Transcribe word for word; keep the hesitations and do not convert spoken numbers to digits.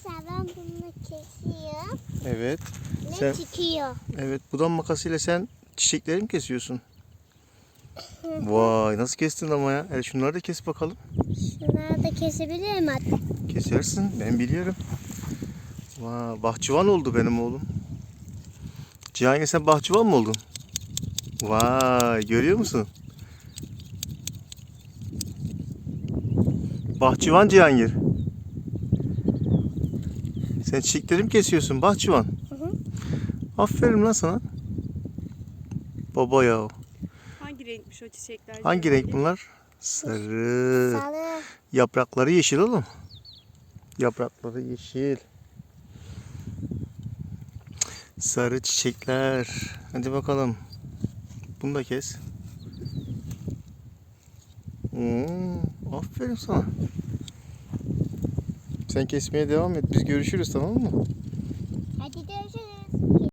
Arkadaşlar ben bunu kesiyorum. Evet. Ne Sen, çıkıyor? evet, budam makasıyla sen çiçekleri mi kesiyorsun? Vay, nasıl kestin ama ya. Evet, şunları da kes bakalım. Şunları da kesebilirim hatta. Kesersin, ben biliyorum. Vay, bahçıvan oldu benim oğlum. Cihangir, sen bahçıvan mı oldun? Vay, görüyor musun? Bahçıvan Cihangir. Sen çiçekleri mi kesiyorsun bahçıvan? Hı hı. Aferin lan sana. Baba ya. Hangi renkmiş o çiçekler? Hangi Cihangir? renk bunlar? Sarı. Sarı. Yaprakları yeşil oğlum. Yaprakları yeşil. Sarı çiçekler. Hadi bakalım. Bunu da kes. Oo, aferin sana. Sen kesmeye devam et. Biz görüşürüz, tamam mı? Hadi görüşürüz.